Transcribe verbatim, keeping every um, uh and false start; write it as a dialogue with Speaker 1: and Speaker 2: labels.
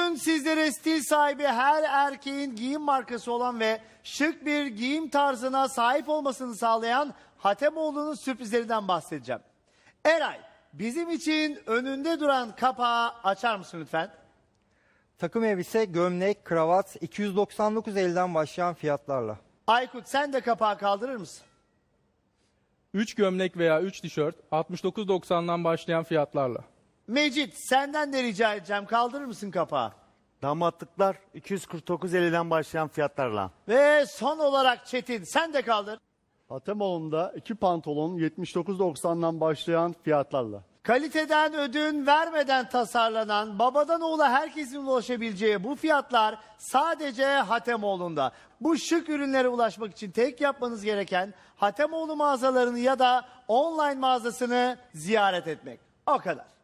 Speaker 1: Bugün sizlere stil sahibi her erkeğin giyim markası olan ve şık bir giyim tarzına sahip olmasını sağlayan Hatemoğlu'nun sürprizlerinden bahsedeceğim. Eray, bizim için önünde duran kapağı açar mısın lütfen?
Speaker 2: Takım elbise, gömlek, kravat iki yüz doksan dokuz elden başlayan fiyatlarla.
Speaker 1: Aykut, sen de kapağı kaldırır mısın?
Speaker 3: üç gömlek veya üç tişört altmış dokuz doksandan başlayan fiyatlarla.
Speaker 1: Mecit, senden de rica edeceğim, kaldırır mısın kapağı?
Speaker 4: Damatlıklar iki yüz kırk dokuz elden başlayan fiyatlarla.
Speaker 1: Ve son olarak Çetin, sen de kaldır.
Speaker 5: Hatemoğlu'nda iki pantolon yetmiş dokuz doksandan başlayan fiyatlarla.
Speaker 1: Kaliteden ödün vermeden tasarlanan, babadan oğula herkesin ulaşabileceği bu fiyatlar sadece Hatemoğlu'nda. Bu şık ürünlere ulaşmak için tek yapmanız gereken Hatemoğlu mağazalarını ya da online mağazasını ziyaret etmek. O kadar.